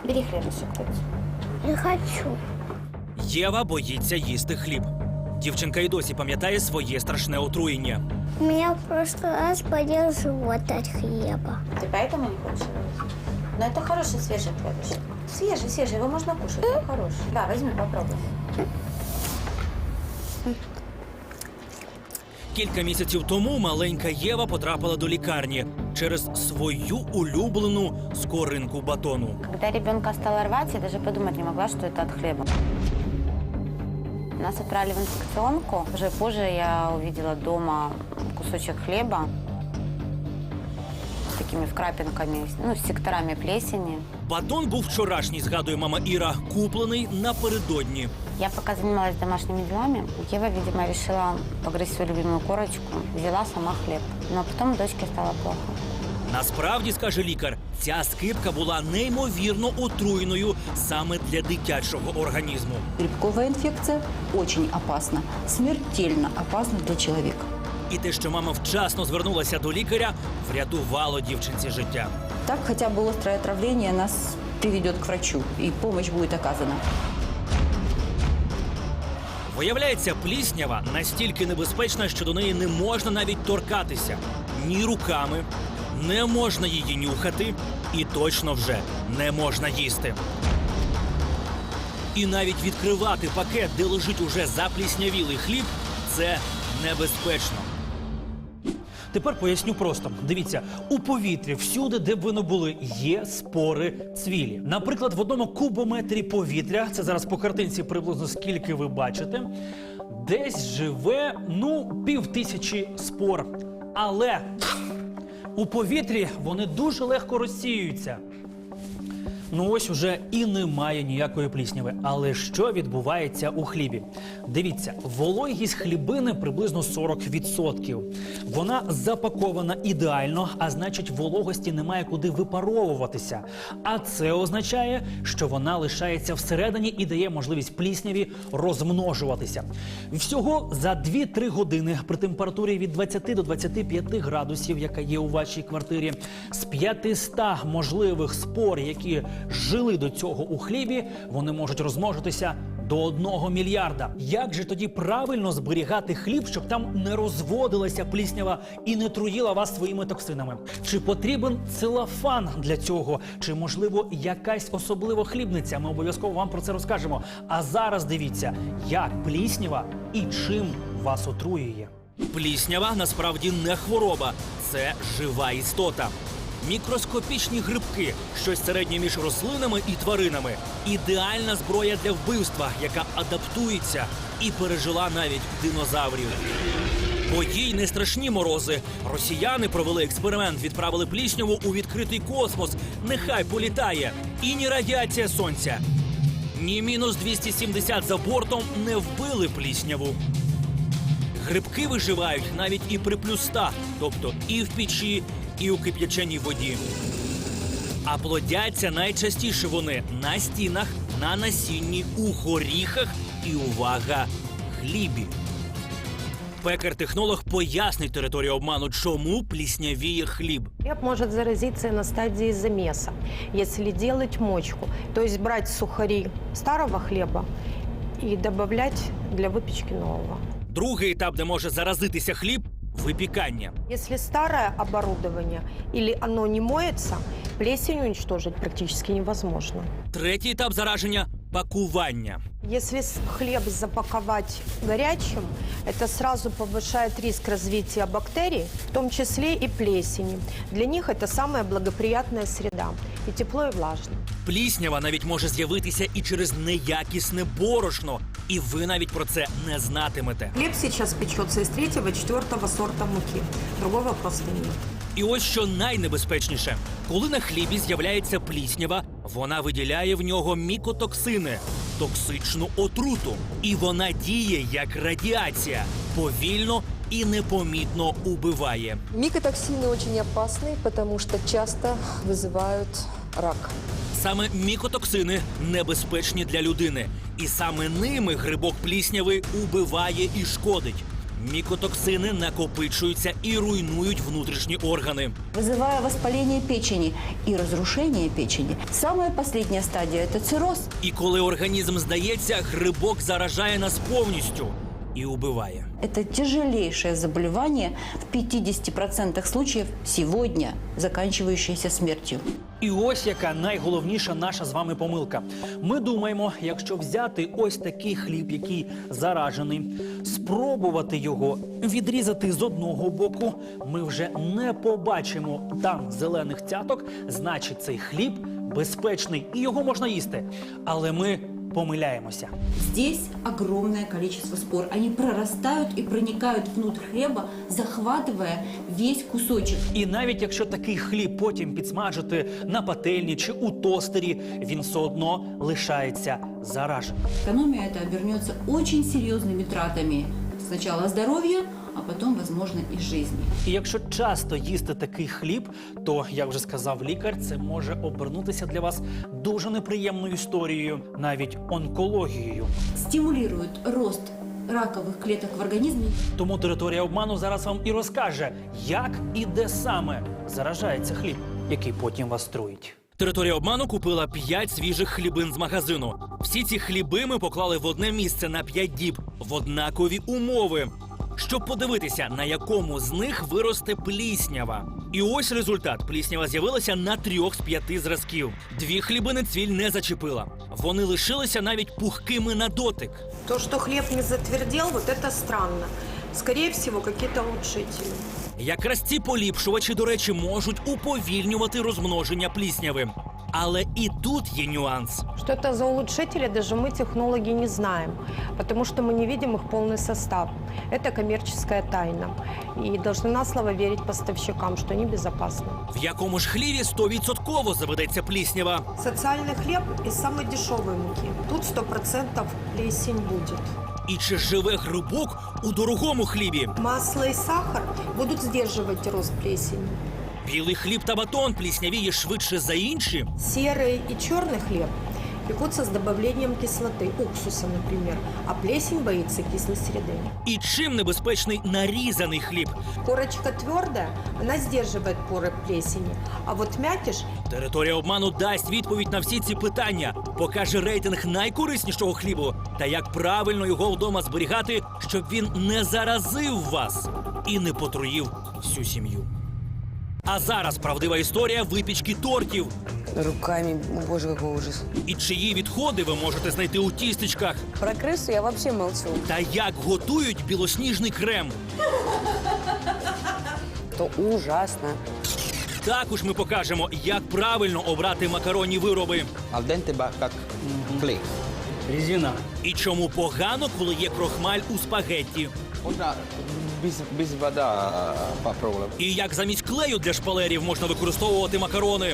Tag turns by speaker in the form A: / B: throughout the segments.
A: Бери хлебушек, Тать.
B: Не хочу.
C: Єва боїться їсти хліб. Дівчинка й досі пам'ятає своє страшне отруєння.
B: У меня в прошлый раз болел живот от хлеба.
A: Ты поэтому не хочешь его есть? Но это хороший свежий хлебушек. Свежий, его можно кушать, он хороший. Да, возьми, попробуй.
C: Кілька місяців тому маленька Єва потрапила до лікарні через свою улюблену скоринку батону.
A: Когда ребенка стало рвать, я даже подумать не могла, что это от хлеба. Нас отправили в инфекционку. Уже позже я увидела дома кусочек хлеба с такими вкрапинками, с секторами плесени.
C: Батон був вчорашній, згадує мама Іра, куплений напередодні.
A: Я пока занималась домашними делами, Ева, видимо, решила погрызть свою любимую корочку, взяла сама хлеб. Но потом дочке стало плохо.
C: Насправді, скаже лікар, ця скипка була неймовірно отруєною саме для дитячого організму.
D: Грибковая инфекция очень опасна, смертельно опасна для человека.
C: І те, що мама вчасно звернулася до лікаря, врятувало дівчинці життя.
D: Так хотя бы острое отравление нас приведет к врачу, и помощь будет оказана.
C: Виявляється, пліснява настільки небезпечна, що до неї не можна навіть торкатися. Ні руками, не можна її нюхати і точно вже не можна їсти. І навіть відкривати пакет, де лежить уже запліснявілий хліб, це небезпечно. Тепер поясню просто. Дивіться, у повітрі, всюди, де б ви не були, є спори цвілі. Наприклад, в одному кубометрі повітря, це зараз по картинці приблизно скільки ви бачите, десь живе, 5000 спор. Але у повітрі вони дуже легко розсіюються. Ось уже і немає ніякої плісняви. Але що відбувається у хлібі? Дивіться, вологість хлібини приблизно 40%. Вона запакована ідеально, а значить вологості немає куди випаровуватися. А це означає, що вона лишається всередині і дає можливість плісняві розмножуватися. Всього за 2-3 години при температурі від 20 до 25 градусів, яка є у вашій квартирі, з 500 можливих спор, які жили до цього у хлібі, вони можуть розмножитися до 1 мільярда. Як же тоді правильно зберігати хліб, щоб там не розводилася пліснява і не труїла вас своїми токсинами? Чи потрібен целофан для цього? Чи, можливо, якась особлива хлібниця? Ми обов'язково вам про це розкажемо. А зараз дивіться, як пліснява і чим вас отруює. Пліснява насправді не хвороба, це жива істота. Мікроскопічні грибки, щось середнє між рослинами і тваринами. Ідеальна зброя для вбивства, яка адаптується і пережила навіть динозаврів. Бо їй не страшні морози. Росіяни провели експеримент, відправили плісняву у відкритий космос. Нехай політає. І ні радіація сонця, ні мінус 270 за бортом не вбили плісняву. Грибки виживають навіть і при плюс 100, тобто і в печі, і у кип'яченій воді. А плодяться найчастіше вони на стінах, на насінні, у горіхах і, увага, хлібі. Пекар-технолог пояснить територію обману, чому пліснявіє хліб.
E: Хлеб может заразиться на стадии замеса, если делать мочку. То есть брать сухари старого хлеба и добавлять для выпечки нового.
C: Другий етап, де може заразитися хліб – випікання.
E: Если старое оборудование или оно не моется, плесень уничтожить практически невозможно.
C: Третій етап зараження – пакування.
E: Если хлеб запаковать горячим, это сразу повышает риск развития бактерий, в том числе и плесени. Для них это самая благоприятная среда – и тепло, и влажно.
C: Пліснява навіть може з'явитися і через неякісне борошно. І ви навіть про це не знатимете.
E: Хлеб сейчас печется из 3-4 сорта муки. Другого просто нет.
C: І ось що найнебезпечніше. Коли на хлібі з'являється пліснява, вона виділяє в нього мікотоксини – токсичну отруту. І вона діє як радіація. Повільно і непомітно убиває.
F: Микотоксины очень опасны, потому что часто вызывают рак.
C: Саме мікотоксини небезпечні для людини. І саме ними грибок плісняви убиває і шкодить. Мікотоксини накопичуються і руйнують внутрішні органи.
D: Вызывая воспаление печени и разрушение печени. Самая последняя стадия – это цирроз.
C: І коли організм здається, грибок заражає нас повністю і убиває.
D: Это тяжелейшее заболевание, в 50% случаев сегодня заканчивающееся смертью.
C: І ось яка найголовніша наша з вами помилка. Ми думаємо, якщо взяти ось такий хліб, який заражений, спробувати його відрізати з одного боку, ми вже не побачимо там зелених цяток, значить цей хліб безпечний і його можна їсти. Але ми помиляємося.
D: Здесь огромное количество спор. Они прорастают и проникают внутрь хлеба, захватывая весь кусочек.
C: І навіть якщо такий хліб потім підсмажити на пательні чи у тостері, він все одно лишається зараженим.
D: Экономия это обернется очень серьезными тратами. Сначала здоровья, а потом, возможно, и жизни.
C: І якщо часто їсти такий хліб, то, як вже сказав лікар, це може обернутися для вас дуже неприємною історією, навіть онкологією.
D: Стимулирует рост раковых клеток в организме.
C: Тому територія обману зараз вам і розкаже, як і де саме заражається хліб, який потім вас труїть. Територія обману купила 5 свіжих хлібин з магазину. Всі ці хліби ми поклали в одне місце на 5 діб, в однакові умови, щоб подивитися, на якому з них виросте пліснява. І ось результат. Пліснява з'явилася на 3 з 5 зразків. 2 хлібини цвіль не зачепила. Вони лишилися навіть пухкими на дотик.
E: То, что хлеб не затвердел, вот это странно. Скорее всего, какие-то улучшители.
C: Якраз ці поліпшувачі, до речі, можуть уповільнювати розмноження плісняви. Але і тут є нюанс.
E: Что это за улучшители, даже мы, технологи, не знаем, потому что мы не видим их полный состав. Это коммерческая тайна. И должны на слово верить поставщикам, что они безопасны.
C: В якому ж хліві 100% заведеться пліснява?
E: Социальный хлеб из самой дешевой муки. Тут 100% плесень будет.
C: І чи живе грибок у дорогому хлібі?
E: Масло и сахар будут сдерживать рост плесени.
C: Білий хліб та батон пліснявіє швидше за інші?
E: Серый и черный хлеб пекутся с добавлением кислоты, уксуса, например, а плесень боится кислой среды.
C: І чим небезпечний нарізаний хліб?
E: Корочка твердая, она сдерживает поры плесени, а вот мякиш
C: Територія обману дасть відповідь на всі ці питання, покаже рейтинг найкориснішого хлібу та як правильно його вдома зберігати, щоб він не заразив вас і не потруїв всю сім'ю. А зараз правдива історія випічки тортів.
G: Руками, боже, какой ужас.
C: І чиї відходи ви можете знайти у тістечках.
G: Про крысу я вообще молчу.
C: Та як готують білосніжний крем.
G: То ужасно.
C: Також ми покажемо, як правильно обрати макаронні вироби.
H: Al dente va как клей.
C: Резина. І чому погано, коли є крохмаль у спагетті.
H: Можно без вода попробовать.
C: І як замість клею для шпалерів можна використовувати макарони.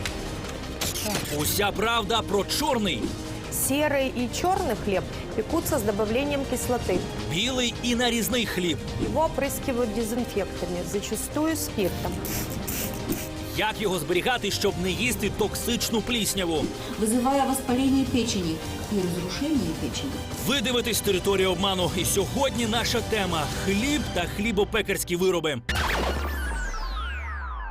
C: Уся правда про чорний,
E: серый и черный хлеб пекутся с добавлением кислоты.
C: білий і нарізний хліб.
E: Его опрыскивают дезинфектами, зачастую спиртом.
C: Як його зберігати, щоб не їсти токсичну плісняву?
D: Вызывая воспаление печени и разрушение печени.
C: Ви дивитесь «Територію обману». І сьогодні наша тема – хліб та хлібопекарські вироби.